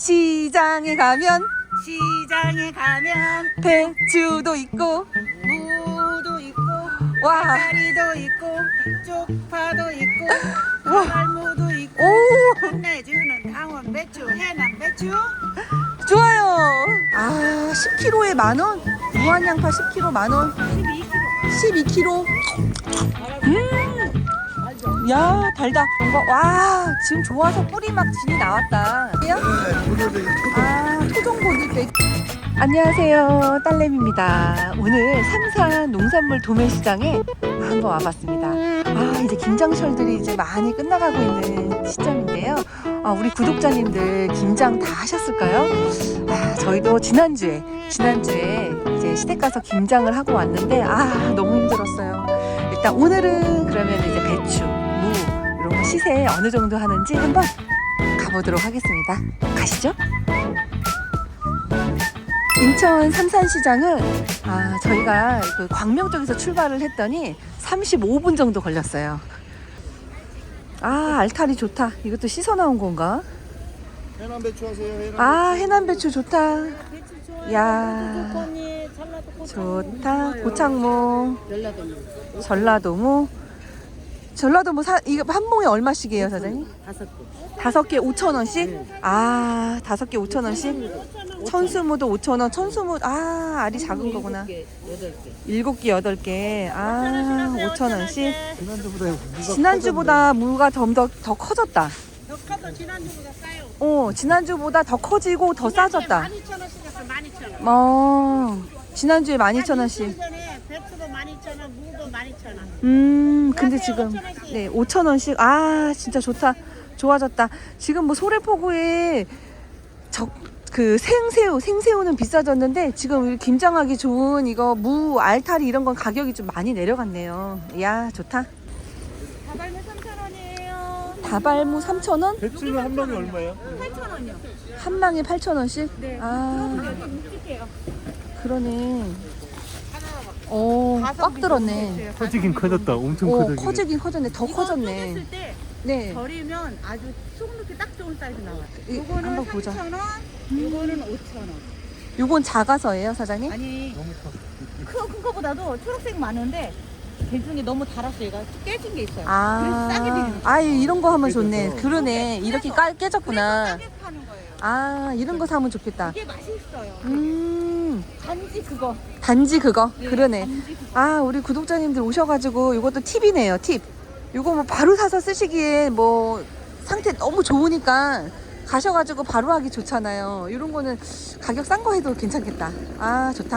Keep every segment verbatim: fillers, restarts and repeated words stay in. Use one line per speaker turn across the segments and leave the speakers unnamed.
시장에 가면
시장에 가면
배추도 있고
무도 있고
와.
다리도 있고 쪽파도 있고
와.
달무도 있고
오
끝내주는 강원 배추 해남 배추
좋아요. 아 십 킬로그램에 만원 무한양파 십 킬로그램 만원
십이 킬로그램
십이 킬로그램 음. 야 달다 뭔가 와 지금 좋아서 뿌리 막 진이 나왔다. 아 토종고들빼. 안녕하세요, 딸내미입니다. 오늘 삼산 농산물 도매시장에 한번 와봤습니다. 아 이제 김장철들이 이제 많이 끝나가고 있는 시점인데요. 아, 우리 구독자님들 김장 다 하셨을까요? 아, 저희도 지난주에 지난주에 이제 시댁 가서 김장을 하고 왔는데 아 너무 힘들었어요. 일단 오늘은 그러면 이제 배추, 무 이런 거 시세 어느 정도 하는지 한번 가보도록 하겠습니다. 가시죠. 인천 삼산시장은 아, 저희가 그 광명 쪽에서 출발을 했더니 삼십오 분 정도 걸렸어요. 아 알타리 좋다. 이것도 씻어 나온 건가?
해남 배추 하세요. 해남
아 해남 배추 좋다.
배추
야
좋거니 전라도
좋다. 고창모, 전라도무. 전라도무 사 이거 한 봉에 얼마씩이에요, 사장님?
다섯 개
다섯 개 오천 원씩? 아 다섯 개 오천 원씩? 천수무도 오천 원. 천수무 아 알이 작은 거구나.
여덟 개
일곱 개 여덟 개. 아 오천 원씩.
지난주보다 무가
지난주보다 무가 좀 더 더 커졌다.
더 커서 지난주보다 싸요.
어 지난주보다 더 커지고 더 싸졌다.
만 이천 원씩 했어. 만 이천 원.
어 지난주에 만 이천 원씩.
전에 배추도 만 이천 원, 무도 만 이천 원.
음 근데 지금 네 오천 원씩. 아 진짜 좋다. 좋아졌다. 지금 뭐 소래포구에 적 그 생새우 생새우는 비싸졌는데 지금 김장하기 좋은 이거 무 알타리 이런 건 가격이 좀 많이 내려갔네요. 야 좋다.
다발무 삼천 원이에요.
다발무 삼천 원?
배추는 한 방에 얼마예요?
팔천 원이요.
한 망에 팔천 원씩?
네.
아
여기 묵직해요.
그러네. 어, 꽉 들었네.
커지긴 커졌다. 엄청
오,
커졌네.
커지긴 커졌네. 더 커졌네.
쪼갰을 때
네.
버리면 아주 속 넣기 딱 좋은 사이즈 나와요.
이,
요거는
한번 보자.
삼천 원, 요거는 오천 원.
요건 작아서예요, 사장님?
아니,
너무 커.
큰, 큰 거보다도 초록색 많은데 개 중에 너무 달았어요. 얘가 깨진 게 있어요.
아,
그래서 싸게 드리는 거예요.
아, 이런 거 하면 좋네.
그래서.
그러네. 이렇게 깔 깨졌구나.
싸게 파는 거예요.
아, 이런 거 사면 좋겠다.
이게 맛이 있어요.
음,
단지 그거.
단지 그거.
네,
그러네.
단지 그거.
아, 우리 구독자님들 오셔가지고 이것도 팁이네요, 팁. 이거 뭐 바로 사서 쓰시기에 뭐 상태 너무 좋으니까 가셔가지고 바로 하기 좋잖아요. 이런 거는 가격 싼 거 해도 괜찮겠다. 아, 좋다.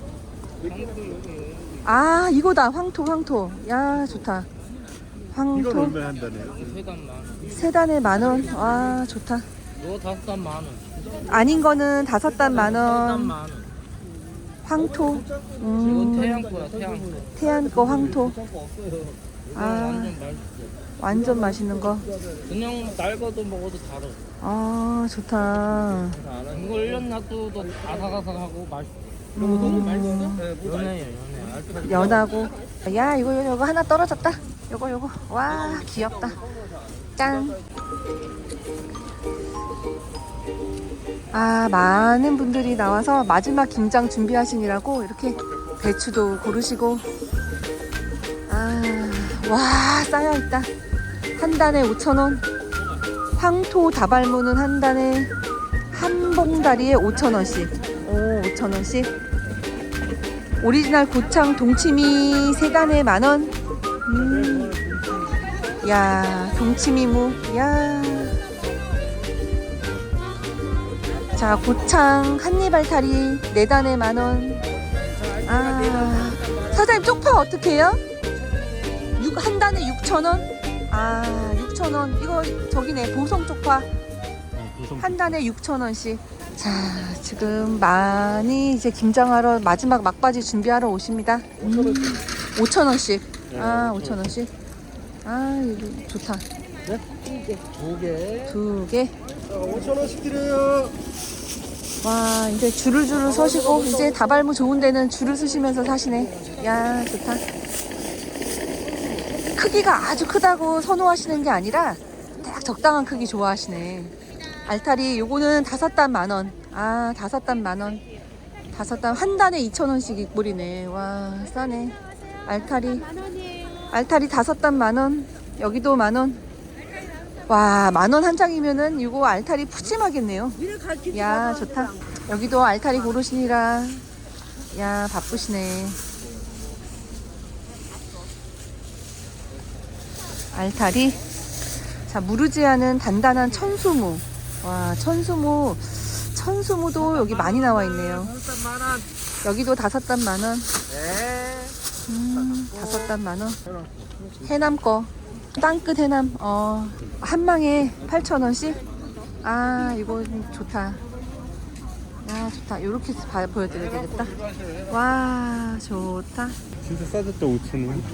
아, 이거다. 황토, 황토. 야, 좋다.
이건
황토.
얼마에 한다네.
세단 만 원.
세 단에 만 원. 와, 좋다.
이거 다섯 단 만 원.
아닌 거는 다섯 단 만
단
원.
만 원.
황토.
이건
음,
태양코야 태양코.
태안 거 황토.
이건
아.
완전 맛있어.
완전 맛있는 거.
그냥 날거도 먹어도 달아.
아, 좋다.
이거 일 년 놔둬도 아삭아삭하고 맛있어. 이거
음.
너무 맛있어? 연해요 연해.
연하고. 야, 이거, 이거, 이거 하나 떨어졌다. 요거, 요거. 와, 귀엽다. 짠. 아, 많은 분들이 나와서 마지막 김장 준비하시느라고 이렇게 배추도 고르시고. 아, 와, 쌓여있다. 한 단에 오천 원. 황토 다발무는 한 단에 한 봉다리에 오천 원씩. 오, 오천 원씩. 오리지널 고창 동치미 세 단에 만 원. 음. 야, 동치미무. 야. 자, 고창 한입 알타리 네 단에 만 원. 아. 사장님 쪽파 어떻게 해요? 육, 한 단에 육천 원? 아, 육천 원. 이거 저기네. 보성 쪽파. 한 단에 육천 원씩. 자, 지금 많이 이제 김장하러 마지막 막바지 준비하러 오십니다. 음, 오천 원씩. 아, 오천 원씩. 아, 이거 좋다.
두 개.
두 개.
오천 원씩 드려요.
와, 이제 줄을 줄을 서시고 이제 다발무 좋은 데는 줄을 서시면서 사시네. 야, 좋다. 크기가 아주 크다고 선호하시는 게 아니라 딱 적당한 크기 좋아하시네. 알타리 요거는 다섯 단 만원. 아, 다섯 단 만원. 다섯 단 한 단에 이천 원씩 이꼴이네. 와, 싸네. 알타리. 알타리 다섯 단 만원. 여기도 만원. 와, 만원 한 장이면은 이거 알타리 푸짐하겠네요. 야, 좋다. 여기도 알타리 고르시니라. 야, 바쁘시네. 알타리. 자, 무르지 않은 단단한 천수무. 와, 천수무. 천수무도 여기 많이 나와 있네요. 여기도 다섯 단 만원. 음, 다섯 단 만원. 해남 거. 땅끝 해남. 어, 한 망에 팔천 원씩. 아, 이거 좋다. 야, 좋다. 요렇게 봐, 보여드려야 되겠다. 와, 좋다.
진짜 싸졌다 오천 원.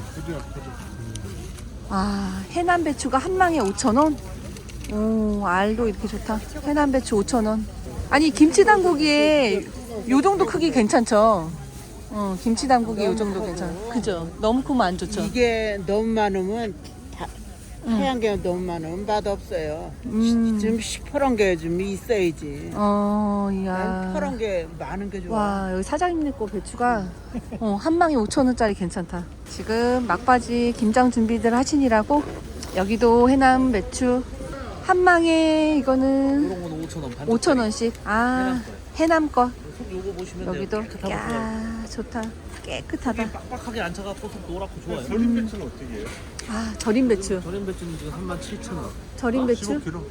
아, 해남 배추가 한 망에 오천 원? 오, 알도 이렇게 좋다. 해남 배추 오천 원. 아니, 김치 담그기에 요 정도 크기 괜찮죠? 어, 김치 담그기 요 정도 괜찮아. 그죠? 너무 크면 안 좋죠?
이게 너무 많으면 다,
응.
하얀 게 너무 많으면 맛없어요.
음.
좀 시퍼런 게 좀 있어야지.
어,
난
이야.
퍼런 게 많은 게 좋아.
와, 여기 사장님네 거 배추가 어, 한 망에 오천 원짜리 괜찮다. 지금 막바지 김장 준비들 하시니라고 여기도 해남 배추 한 망에 이거는
이런 거는 오천 원.
오천 원씩. 아, 해남 거.
속 요거 보시면
여기도.
돼요. 깨끗하고 좋아요.
야, 좋다. 깨끗하다.
빡빡하게 안 차갖고 속 노랗고 좋아요.
절임 배추는 어떻게 해요?
아, 절임 배추.
절임 배추는 지금 삼만 칠천 원.
절임 배추
십오 킬로그램.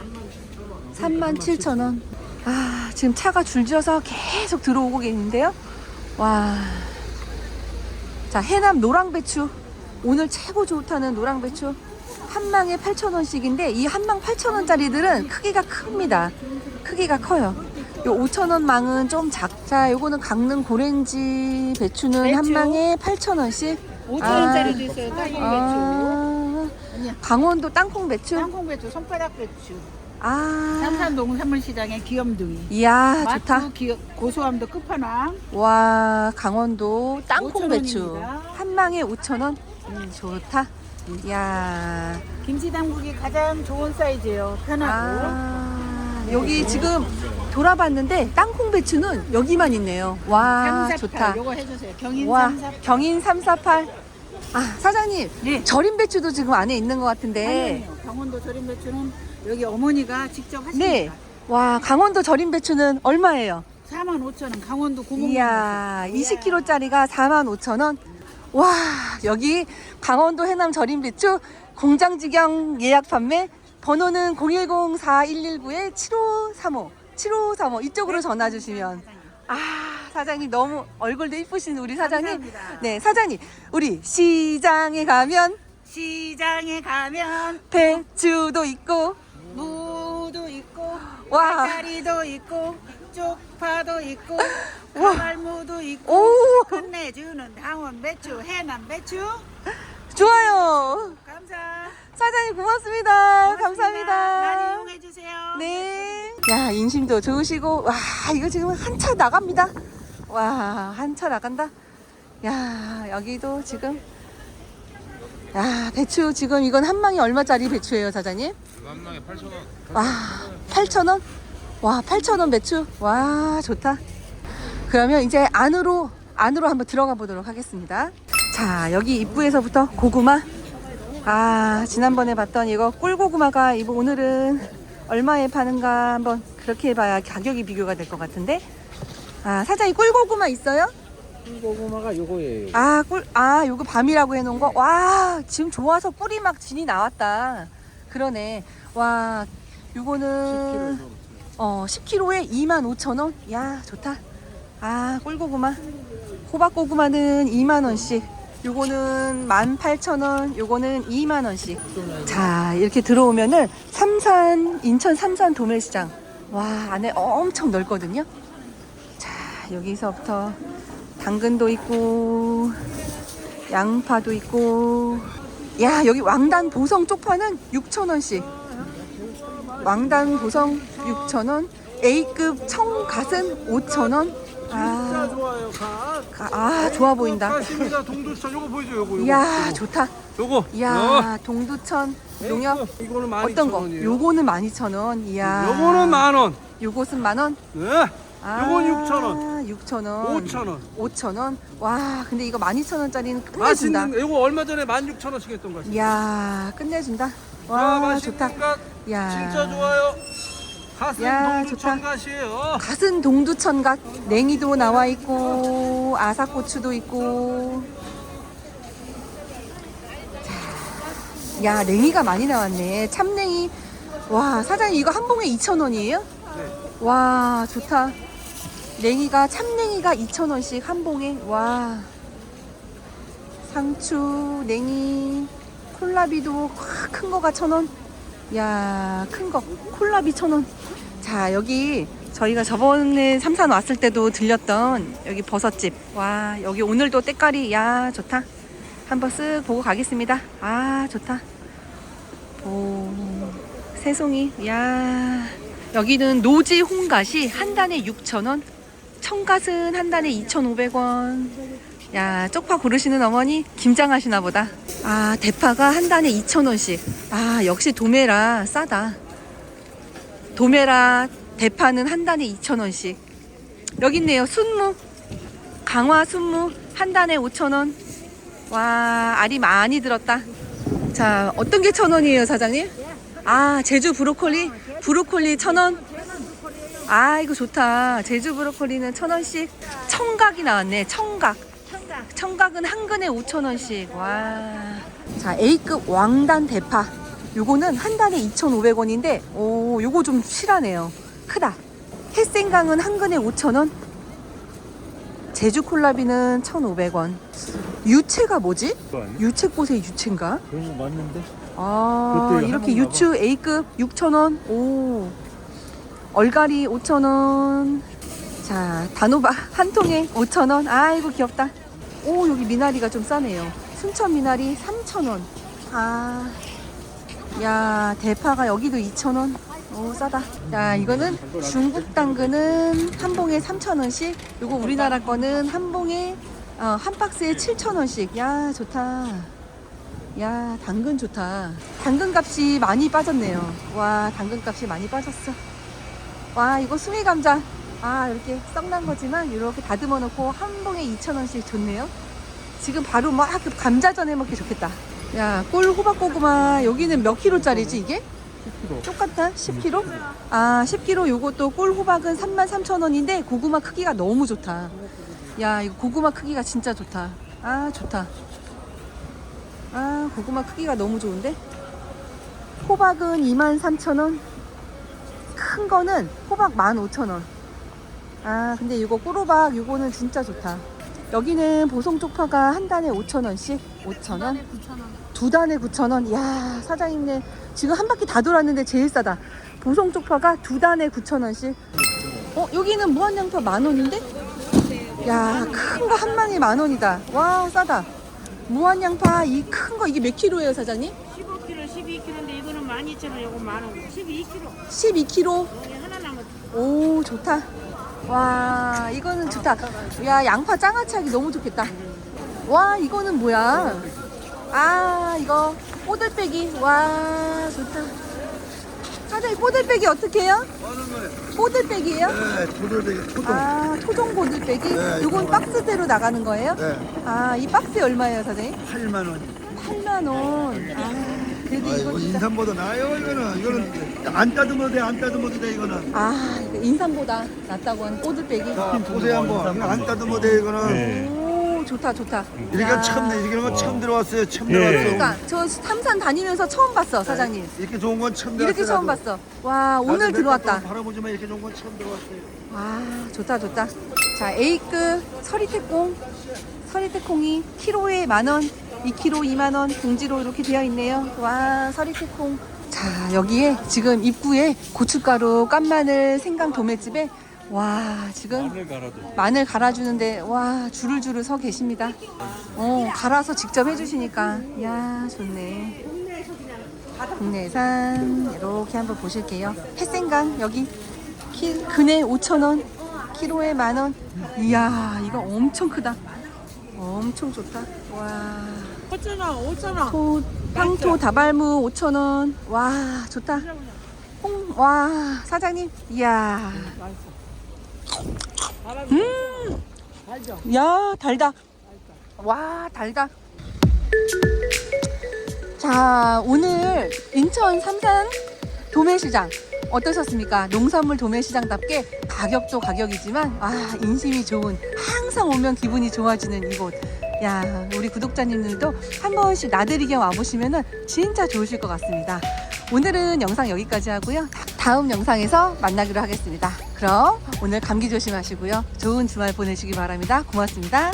삼만 칠천 원. 아, 지금 차가 줄지어서 계속 들어오고 계신데요. 와. 자, 해남 노랑배추. 오늘 최고 좋다는 노랑배추. 한 망에 팔천 원씩인데 이 한 망 팔천 원짜리들은 크기가 큽니다. 크기가 커요. 요 오천 원 망은 좀 작자. 요거는 강릉 고랭지 배추는
배추.
한 망에 팔천 원씩.
오천 원짜리도 있어요. 땅콩
아, 강원도 땅콩 배추.
배추. 땅콩 배추, 손가락 배추.
아,
삼산 농산물시장의 귀염둥이.
이야, 좋다.
맛도 귀, 고소함도 끝판왕.
와, 강원도 땅콩
오천
배추
원입니다.
한 망에 오천 원. 음, 좋다. 이야.
김치 담그기 가장 좋은 사이즈예요. 편하고.
아, 여기 지금 돌아봤는데 땅콩 배추는 여기만 있네요. 와,
삼사팔
좋다.
요거 해주세요. 경인
와,
삼사팔.
경인 삼사팔. 아, 사장님.
네.
절임 배추도 지금 안에 있는 것 같은데.
아니요, 강원도 절임 배추는 여기 어머니가 직접 하십니다.
네. 와, 강원도 절임 배추는 얼마예요?
사만 오천 원. 강원도 구멍.
이야, 이십 킬로그램짜리가 사만 오천 원. 와, 여기 강원도 해남 절임 배추 공장직영 예약 판매 번호는 공일공 사일일구 칠오삼오 칠오삼오 이쪽으로 전화 주시면. 아, 사장님 너무 얼굴도 이쁘신 우리 사장님.
감사합니다.
네, 사장님. 우리 시장에 가면
시장에 가면
배추도 있고
무도 있고
와.
알타리도 있고 쪽파도 있고
와.
가발무도 있고
오,
끝내주는 강원 배추 해남 배추.
좋아요.
감사.
사장님 고맙습니다.
고맙습니다.
감사합니다.
많이 이용해 주세요.
네. 야, 인심도 좋으시고, 와, 이거 지금 한 차 나갑니다. 와, 한 차 나간다. 야, 여기도 지금. 야, 배추 지금 이건 한 망이 얼마짜리 배추예요, 사장님?
한 망에 팔천 원.
와, 팔천 원? 와, 팔천 원 배추? 와, 좋다. 그러면 이제 안으로, 안으로 한번 들어가 보도록 하겠습니다. 자, 여기 입구에서부터 고구마. 아, 지난번에 봤던 이거 꿀고구마가 이거 오늘은 얼마에 파는가 한번 그렇게 해봐야 가격이 비교가 될 것 같은데. 아, 사장님 꿀고구마 있어요?
고구마가 요거예요.
아, 꿀, 아, 요거 밤이라고 해놓은 거? 와, 지금 좋아서 꿀이 막 진이 나왔다. 그러네. 와, 요거는, 어, 십 킬로그램에 이만 오천 원? 야, 좋다. 아, 꿀고구마. 호박고구마는 이만 원씩. 요거는 만 팔천 원, 요거는 이만 원씩. 자, 이렇게 들어오면은 삼산, 인천 삼산 도매시장. 와, 안에 엄청 넓거든요. 자, 여기서부터 당근도 있고 양파도 있고. 야, 여기 왕단 보성 쪽파는 육천 원씩. 왕단 보성 육천 원. A급 청갓은 오천 원. 아,
좋아요, 가.
가- 아, 좋아 보인다.
가십니다. 동두천 요거 보이죠? 요거. 요거.
이야,
요거.
좋다.
요거.
이야, 동두천. 농협
이거는 만
어떤
이천
거?
원이에요.
요거는 만 이천 원. 이야.
요거는 만 원.
요것은 만 원?
네.
아,
요건 육천 원.
육천 원.
오천 원.
오천 원. 와, 근데 이거 만 이천 원짜리는 끝내준다.
맛있는 요거 얼마 전에 만 육천 원씩 했던 거.
이야, 끝내준다.
아,
와,
맛있는
좋다.
것
야.
진짜 좋아요. 가슴
야,
동두천갓이에요.
갓은 동두천갓. 냉이도 나와 있고, 아삭고추도 있고. 자, 야, 냉이가 많이 나왔네. 참냉이. 와, 사장님 이거 한 봉에 이천 원이에요?
네.
와, 좋다. 냉이가, 참냉이가 이천 원씩 한 봉에. 와. 상추, 냉이, 콜라비도 큰 거가 천 원. 야, 큰 거. 콜라비 천 원. 자, 여기 저희가 저번에 삼산 왔을 때도 들렸던 여기 버섯집. 와, 여기 오늘도 때깔이, 야, 좋다. 한번 쓱 보고 가겠습니다. 아, 좋다. 오, 새송이. 야, 여기는 노지 홍갓이 한 단에 육천 원. 청갓은 한 단에 이천오백 원. 야, 쪽파 고르시는 어머니 김장하시나 보다. 아, 대파가 한 단에 이천 원씩. 아, 역시 도매라 싸다. 도매라 대파는 한 단에 이천 원씩. 여기 있네요. 순무. 강화 순무 한 단에 오천 원. 와, 알이 많이 들었다. 자, 어떤 게 천 원이에요, 사장님? 아, 제주 브로콜리. 브로콜리 천 원. 아, 이거 좋다. 제주 브로콜리는 천 원씩. 청각이 나왔네. 청각. 청각은 한 근에 오천 원씩. 와. 자, A급 왕단 대파. 요거는 한 단에 이천오백 원인데, 오, 요거 좀 실하네요. 크다. 햇생강은 한 근에 오천 원. 제주 콜라비는 천오백 원. 유채가 뭐지?
그거 아니야?
유채꽃의 유채인가?
그런 거 맞는데?
아,
그것도
이렇게
한번
유추 A급 육천 원. 오. 얼갈이 오천 원. 자, 단호박 한 통에 오천 원. 아이고, 귀엽다. 오, 여기 미나리가 좀 싸네요. 순천 미나리 삼천 원. 아. 야, 대파가 여기도 이천 원. 오, 싸다. 야, 이거는 중국 당근은 한 봉에 삼천 원씩. 요거 우리나라 거는 한 봉에 어, 한 박스에 칠천 원씩. 야, 좋다. 야, 당근 좋다. 당근 값이 많이 빠졌네요. 와, 당근 값이 많이 빠졌어. 와, 이거 수미 감자. 아, 이렇게 썩난 거지만 이렇게 다듬어 놓고 한 봉에 이천 원씩 좋네요. 지금 바로 막 감자전 해 먹기 좋겠다. 야, 꿀 호박 고구마 여기는 몇 킬로짜리지 이게?
십 킬로그램.
똑같아? 십 킬로그램? 아, 십 킬로그램 요것도 꿀 호박은 삼만 삼천 원인데 고구마 크기가 너무 좋다. 야, 이거 고구마 크기가 진짜 좋다. 아, 좋다. 아, 고구마 크기가 너무 좋은데? 호박은 이만 삼천 원. 큰 거는 호박 만 오천 원. 아, 근데 이거 꿀호박 요거는 진짜 좋다. 여기는 보송 쪽파가 한 단에 오천 원씩. 오천 원. 두 단에 구천 원. 이야, 사장님네 지금 한 바퀴 다 돌았는데 제일 싸다. 보송 쪽파가 두 단에 구천 원씩. 어, 여기는 무한양파 만 원인데? 야, 큰 거 한 망에 만 원이다. 와, 싸다. 무한양파 이 큰 거 이게 몇 킬로예요, 사장님?
십오 킬로그램, 십이 킬로그램인데 이거는 만 이천 원, 이거 만 원. 십이 킬로그램.
십이 킬로그램.
여기 하나 남았.
오, 좋다. 와, 이거는 좋다. 야, 양파 장아찌하기 너무 좋겠다. 와, 이거는 뭐야? 아, 이거 꼬들빼기. 와, 좋다. 사장님, 꼬들빼기 어떻게 해요? 꼬들빼기예요?
네, 토돌대기 토종.
아, 토종 꼬들빼기?
네,
요건
이거
박스대로 나가는 거예요?
네,
아, 이 박스에 얼마예요, 사장님?
팔만 원.
팔만 원. 아, 그래도
아,
이거
이거
진짜.
인삼보다 나아요, 이거는. 이거는 안 따듬어도 돼, 안 따듬어도 돼, 이거는.
아, 이거 인삼보다 낫다고 하는 꼬들빼기.
자, 보세요, 한번. 이거 안 따듬어도 돼, 이거는.
네.
오, 좋다, 좋다.
이렇게
야.
처음, 이런 건 처음 들어왔어요, 처음
예.
들어왔어.
그러니까 저 삼산 다니면서 처음 봤어, 사장님.
이렇게 좋은 건 처음 들어왔어요.
이렇게 처음
나도.
봤어. 와,
나도
오늘
몇
들어왔다.
번 바라보지만 이렇게 좋은 건 처음 들어왔어요.
와, 좋다, 좋다. 자, A급 서리태콩. 서리태콩이 키로에 만 원, 이 킬로그램 이만 원, 봉지로 이렇게 되어 있네요. 와, 서리태콩. 자, 여기에 지금 입구에 고춧가루, 깐마늘, 생강 도매집에 와, 지금
마늘 갈아도.
마늘 갈아주는데 와, 줄을 줄을 서 계십니다. 어, 갈아서 직접 해주시니까 야, 좋네. 국내산 이렇게 한번 보실게요. 햇생강 여기 키, 근에 오천 원, 키로에 만 원. 이야, 이거 엄청 크다. 엄청 좋다. 와,
오천 원, 오천 원.
토, 황토 다발무 오천 원. 와, 좋다. 홍, 와, 사장님. 이야. 음. 야, 달다. 와, 달다. 자, 오늘 인천 삼산 도매시장 어떠셨습니까? 농산물 도매시장답게 가격도 가격이지만 아, 인심이 좋은, 항상 오면 기분이 좋아지는 이곳. 야, 우리 구독자님들도 한 번씩 나들이 겸 와보시면 진짜 좋으실 것 같습니다. 오늘은 영상 여기까지 하고요. 다음 영상에서 만나기로 하겠습니다. 그럼 오늘 감기 조심하시고요. 좋은 주말 보내시기 바랍니다. 고맙습니다.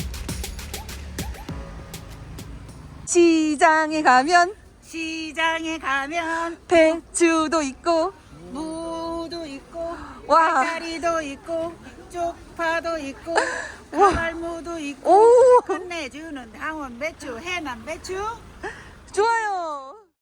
시장에 가면
시장에 가면
배추도 있고
무도 있고
와,
짜리도 있고 쪽파도 있고 가발무도 있고
오,
끝내주는 당원 배추 해남 배추
좋아요.